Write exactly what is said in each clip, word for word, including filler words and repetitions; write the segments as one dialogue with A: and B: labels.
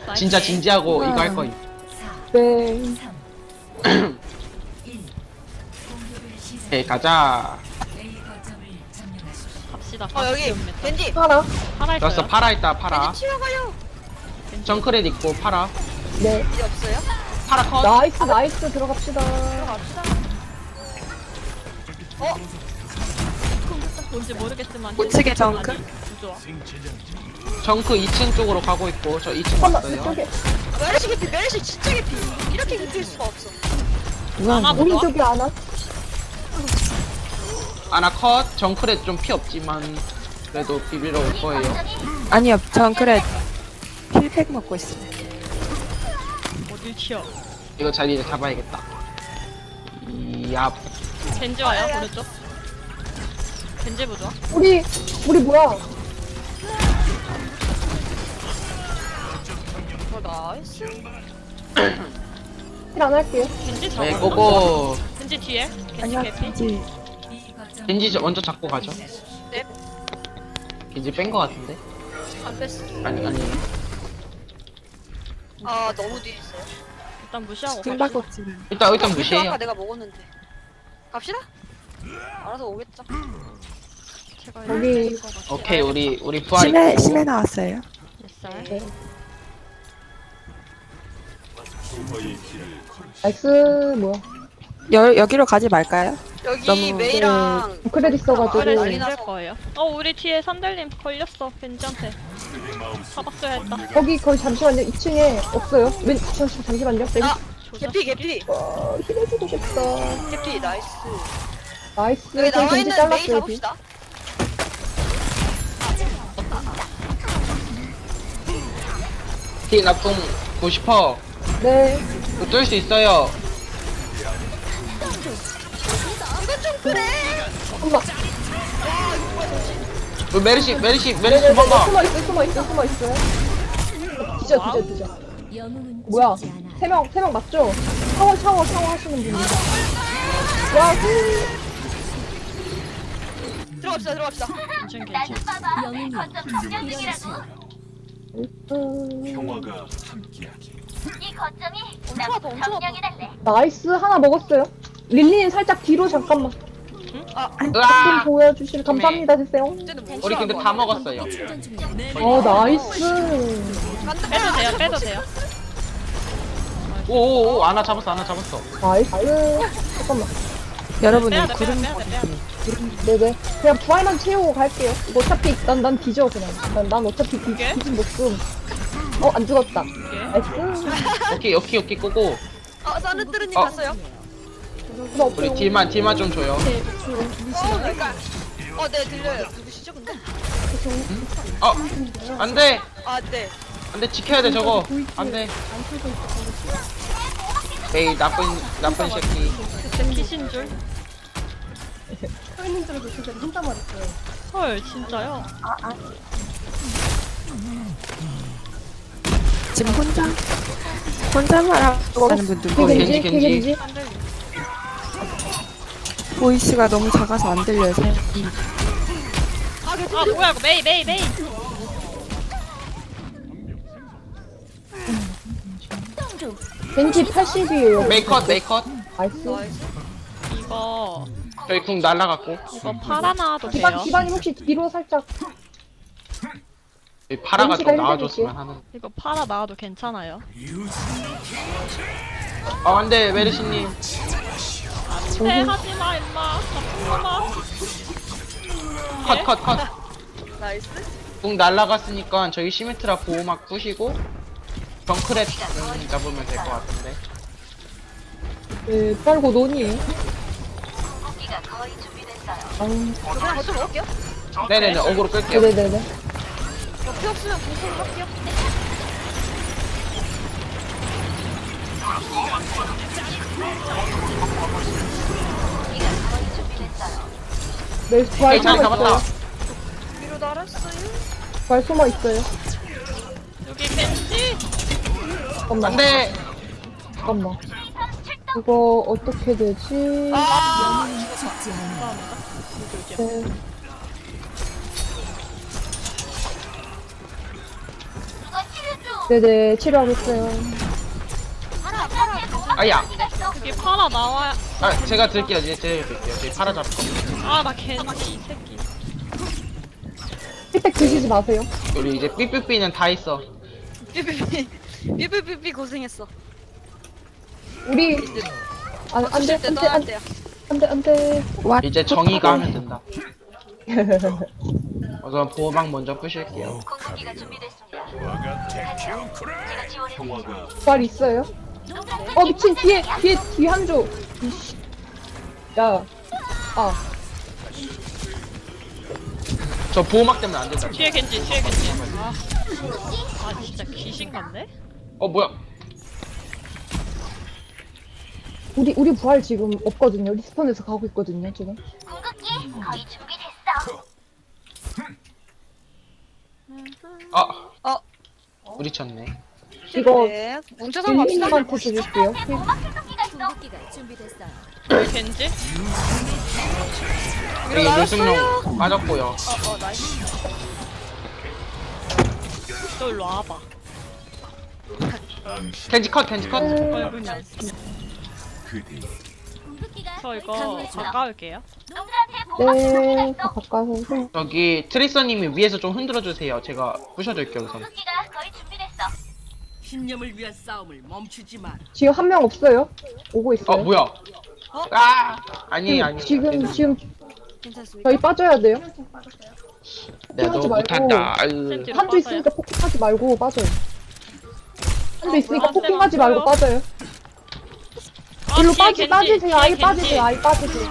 A: 진짜 진지하고 이거 할 거임.
B: 네.
A: 오케이 가자.
C: 갑시다.
D: 어 여기 겐지
B: 하나.
C: 하나 있어요.
A: 좋았어 파라 있다 파라.
D: 겐지 튀어가요.
A: 정크렛 있고 파라.
B: 네.
D: 이제 없어요?
A: 파라 컷.
B: 나이스, 나이스. 들어갑시다.
D: 들어갑시다. 어?
C: 뭔지 모르겠지만
E: 우측에 정크?
C: 아니, 좋아.
A: 정크 이 층 쪽으로 가고 있고 저 이 층
B: 잠깐만,
A: 왔어요.
B: 이쪽에.
D: 메르시 개피 메르시 진짜 개피. 이렇게 개피일 수가 없어.
C: 하나 보자.
B: 오른쪽에 하나.
A: 아나 컷. 정크렛 좀 피 없지만 그래도 비비러 올 거예요.
E: 아니요, 전 그래 힐팩 먹고 있어요.
C: 어딜 튀어?
A: 이거 자리 잡아야겠다. 이야.
C: 겐지 와요 오른쪽. 겐지 보자.
B: 우리, 우리 뭐야?
D: 어 나이스.
B: 힐 안 할게요.
C: 겐지 잡아.
A: 네 고고.
C: 겐지 뒤에. 겐지
E: 아니요,
C: 개피.
E: 겐지.
A: 겐지 저- 먼저 잡고 가죠.
D: 네.
A: 겐지 뺀 거 같은데?
D: 안 뺐어.
A: 아니 아니.
D: 아 너무 뒤에 있어요.
C: 일단 무시하고 갑시다.
E: 숨바꼭질은.
A: 일단 일단
D: 아까
A: 무시해요.
D: 내가 먹었는데. 갑시다. 알아서 오겠죠.
C: 제가
B: 여기.
C: 이렇게 것 같아요.
A: 오케이 우리 우리 부활
E: 심해,
A: 있고.
E: 심해 나왔어요.
C: 뱃살.
B: 네. 나이스, 뭐야.
E: 여, 여기로 가지 말까요?
D: 여기
E: 너무-
D: 메이랑
B: 크레딧 써가지고.
C: 그래
D: 난리
C: 힘들
D: 나서.
C: 거예요. 어 우리 뒤에 산들님 걸렸어 겐지한테. 사박줘야 했다.
B: 거기, 거기 잠시만요. 이 층에 없어요. 왼, 잠시, 잠시만요. 네.
D: 아
C: 조사.
D: 개피 개피
B: 어, 힐해주고 싶다.
D: 개피 나이스.
B: 나이스.
D: 여기
B: 저희
D: 나와
B: 겐지
D: 있는 메이
B: 잘랐어요. 비.
D: 잡읍시다.
A: 티 나쁜 구십 퍼센트
B: 네.
A: 뚫을 수 있어요.
D: 이건 좀 그래.
B: 엄마.
A: 우리 메르시 메르시 메르시
B: 네네네.
A: 도망가.
B: 숨어 있어, 숨어 있어, 숨어 있어요. 뒤져, 뒤져, 뒤져. 뭐야? 세 명, 세 명 맞죠? 샤워, 샤워, 샤워 하시는 분이. 와, 후.
D: 들어갑시다 들어갑시다.
C: 괜찮 괜찮.
B: 음,
D: 엄청 아파 엄청 아파.
B: 나이스 하나 먹었어요. 릴리님 살짝 뒤로 잠깐만 좀
A: 으아!
B: 보여주실 감사합니다 주세요.
D: 이제는 못
A: 우리 근데 다 먹었어요.
B: 어 나이스.
C: 빼도 돼요 빼도 돼요.
A: 오오오 아나 잡았어 아나 잡았어.
B: 나이스. 잠깐만.
E: 여러분,
C: 빼야 돼
E: 구름
C: 빼야 돼 빼야 돼.
B: 네네. 그냥 부활만 채우고 갈게요. 이거 어차피 난 난 뒤져 그냥. 난, 난 어차피 뒤,
C: 이게?
B: 뒤진 목숨. 어 안 죽었다.
C: 이게?
B: 나이스.
A: 오케이 오케이 오케이 고고.
D: 아 사르뜨르님
A: 어.
D: 갔어요?
B: 나
A: 우리 딜만 딜만 좀 줘요.
D: 어 그러니까. 어네 들려요. 누구시죠 근데?
A: 어 안돼
D: 아네.
A: 안돼 지켜야 돼 저거 안돼. 에이 나쁜 나쁜 새끼.
C: 그때 키신 줄. 헐 진짜요?
E: 지금 혼자? 혼자만 하는 분들
A: 겐지,
E: 보이네.
B: 겐지
A: 겐지.
B: 겐지.
C: 산들님.
E: 보이스가 너무 작아서 안 들려요.
D: 아 개피.
C: 아 뭐야 이거 메이 메이 메이.
B: 겐지 팔십이에요.
A: 메이컷 메이컷.
B: 나이스.
D: 나이스.
C: 이거
A: 저희 궁 날라갔고.
C: 이거 팔아 나와도 돼요.
B: 기반 기반이 혹시 뒤로 살짝.
A: 여기 파라가 좀
B: 겐지가
A: 나와줬으면 하는.
C: 이거 팔아 나와도 괜찮아요.
A: 어 안돼 메르시님.
C: 네 하지마 임마. 나쁜 놈아.
A: 컷 컷 컷.
D: 나이스.
A: 궁 날라갔으니까 저희 시메트라 보호막 부시고 정크렛 음, 잡으면 될 것 같은데.
B: 네 빨고 논이에요. 아,
D: 그냥 거쳐 먹을게요.
A: 네네네 어그로 끌게요.
B: 네네네.
D: 저피 없으면 공수를 할게요.
B: 네 부활
A: 오케이 자리
B: 숨어
A: 잡았다.
B: 있어요.
D: 위로 날았어요.
B: 부활 숨어 있어요.
C: 여기 겐지.
B: 잠깐만.
A: 안돼.
B: 잠깐만. 이거 어떻게 되지?
D: 아
B: 네. 네네, 치료하겠어요.
A: 아야.
C: 여기 파라 나와야.
A: 아 제가 들게요. 이제 제가 들게요. 저희 팔아 잡고.
C: 아, 나 겐지, 이 새끼.
B: 힐팩 드시지 마세요.
A: 우리 이제 삐삐삐는 다 있어.
D: 삐삐삐 삐삐삐삐 고생했어.
B: 우리, 아, 안 돼,
D: 주실
B: 안
D: 때
B: 돼,
D: 떠야
B: 안 돼,
D: 돼요.
B: 안 돼, 안 돼.
E: 와,
A: 이제 정의가 하면 된다. 우선 보호막 먼저 부실게요.
B: 부활 있어요? 어, 미친, 뒤에, 뒤에, 뒤에 한 조. 이씨. 야. 아,
A: 저 보호막 때문에 안 된다.
C: 뒤에 겐지, 뒤에 겐지. 아, 아 진짜 귀신 같네?
A: 어 뭐야?
B: 우리, 우리 부활 지금 없거든요. 리스폰에서 가고 있거든요, 지금.
A: 아
D: 어.
A: 우리 쳤네.
B: 이거,
D: 네. 뭉쳐서 갑시다.
B: 힐님한테 드릴게요. 힐.
C: 뒤에 겐지?
A: 여기
D: 나왔어요.
A: 물승용 빠졌고요.
D: 어, 어, 나이스.
C: 너 일로 와봐.
A: 켄지 컷 켄지 컷.
C: 얼굴만. 저 이거 가까울게요.
B: 네, 다 바꿔서. 힐.
A: 저기 트리서님이 위에서 좀 흔들어 주세요. 제가 부셔줄게요 우선.
F: 신념을 위한 싸움을 멈추지 마.
B: 지금 한 명 없어요? 오고 있어요.
A: 어 뭐야? 아 아니 아니.
B: 지금, 지금,
D: 괜찮습니까?
B: 저희 빠져야 돼요.
A: 내가
B: 하지
A: 너무
B: 말고.
A: 못한다. 아유.
C: 뒤로
B: 한조
C: 빠져요.
B: 있으니까 폭행하지 말고 빠져요. 한조 있으니까
C: 아,
B: 폭행하지
C: 쌤,
B: 말고
C: 안
B: 빠져요.
C: 아,
B: 일로
C: 뒤에
B: 빠지,
C: 겐지,
B: 빠지세요.
C: 뒤에
B: 아예
C: 겐지.
B: 빠지세요. 아예 빠지세요.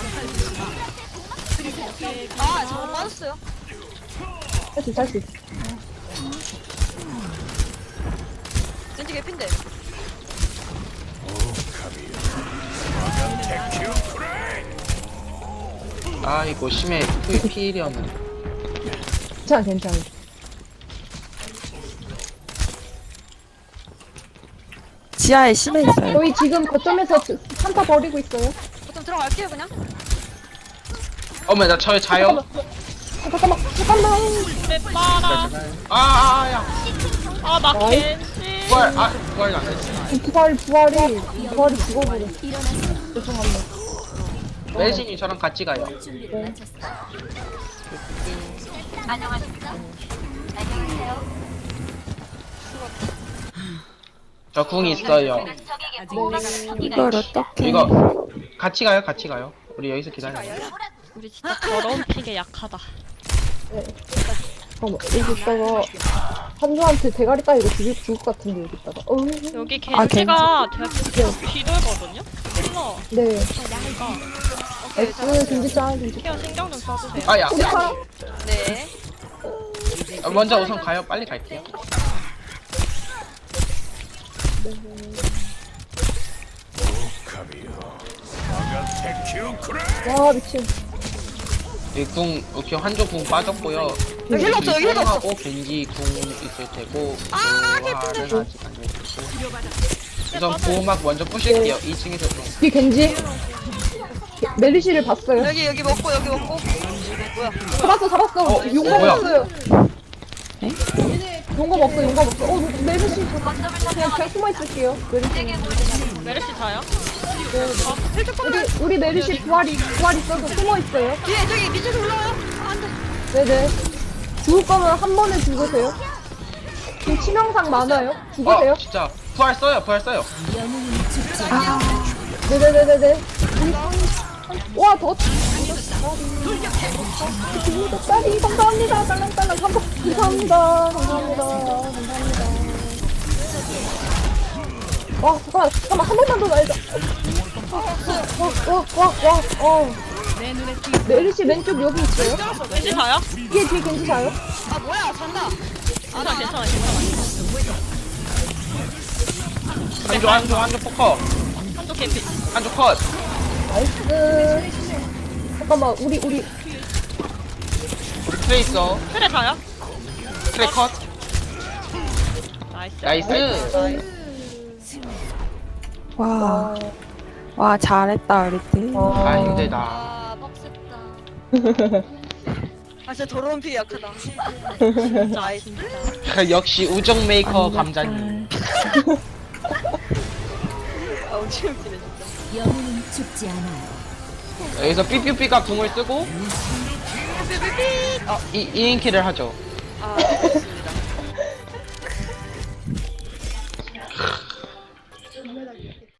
D: 아, 저거 빠졌어요.
B: 할 수 있어, 할 수 있어.
D: 겐지 개핀데.
A: 아이고 심해. 피 피일이었네.
B: 괜찮아, 괜찮아.
E: 지하에 심해 있어요.
B: 저희 지금 거점에서 산타 버리고 있어요.
D: 보통 들어갈게요, 그냥.
A: 어머 나 저의 자요.
B: 아, 잠깐만, 잠깐만.
C: 내 빠라.
A: 아아야.
C: 아, 나
B: 어이.
C: 겐지.
A: 부활 아 부활 안 했지.
B: 부활, 부활이, 부활이 죽어버려. 죄송합니다.
A: 멜신이 저랑 같이 가요. 저 궁 있어요.
E: 이걸 어떻게?
A: 이거 같이 가요, 같이 가요. 우리 여기서 기다려.
C: 우리 진짜 더러운 픽에 약하다.
B: 잠깐만, 여기 있다가 한조한테 대가리 따위로 죽일, 죽을 것 같은데, 여기 있다가. 어,
C: 여기
E: 아,
C: 겐지가 되게 뒤돌거든요? 힐러.
B: 네.
C: 그러니까
B: S, 김지짱, 김지짱.
C: 케어 신경 좀 써주세요.
A: 아야.
B: 우리 파라.
D: 네.
A: 아, 먼저 우선 가요. 빨리 갈게요.
B: 와, 미친.
A: 이궁 오케이 한조 궁 빠졌고요.
D: 여기 힐러 없어, 여기 힐러 없어.
A: 하고 겐지 궁 있을 테고.
D: 아,
A: 보호막은 아직 안 해주고. 우선 보호막 먼저 부실게요. 이 층에서 좀.
B: 뒤 겐지. 메리시를 봤어요.
D: 여기, 여기 먹고, 여기 먹고. 뭐야.
B: 잡았어, 잡았어.
A: 어,
B: 용감
A: 뭐야?
B: 없어요. 용감 없어, 용감 없어. 어, 메리시. 그냥, 그냥 숨어 있을게요. 메리시.
C: 메르시 자요?
B: 우리, 우리 메리시 부활이, 부활 있어서 숨어 있어요.
D: 뒤에, 저기 밑에서 올라와요. 아, 안 돼.
B: 네네. 죽을 거면 한 번에 죽으세요. 지금 치명상 많아요. 죽으세요.
A: 어 진짜 부활 써요. 부활 써요.
B: 네네네네네. 와, 더. 딸이 감사합니다. 딸랑딸랑 감사, 감사합니다. 감사합니다. 감사합니다. 와, 잠깐만, 잠깐만, 한 번만 더 날자. 와, 와, 와, 와, 어. 메르시 왼쪽 여기 있어요?
C: 겐지 자요?
B: 뒤에, 뒤에 겐지 자요?
D: 아, 뭐야. 잔다.
C: 괜찮아, 괜찮아, 괜찮아.
A: 한조 한조 한조 포커.
C: 한쪽 개피.
A: 한조 컷.
B: 나이스. 잠깐만, 우리, 우리.
A: 우리 트레이서.
C: 트레 자요?
A: 트레 컷.
C: 나이스.
A: 나이스.
E: 와, 와 잘했다 우리 팀.
B: 어,
A: 아 힘들다.
D: 아, 빡셌다. 아 진짜 더러운 피 약하다.
C: 진짜 진짜.
A: 역시 우정 메이커 감자님.
D: 아 엄청 웃기네 진짜.
G: 영웅은 죽지 않아요.
A: 여기서 삐삐삐가 궁을 쓰고 이 이인키를 하죠.
D: 아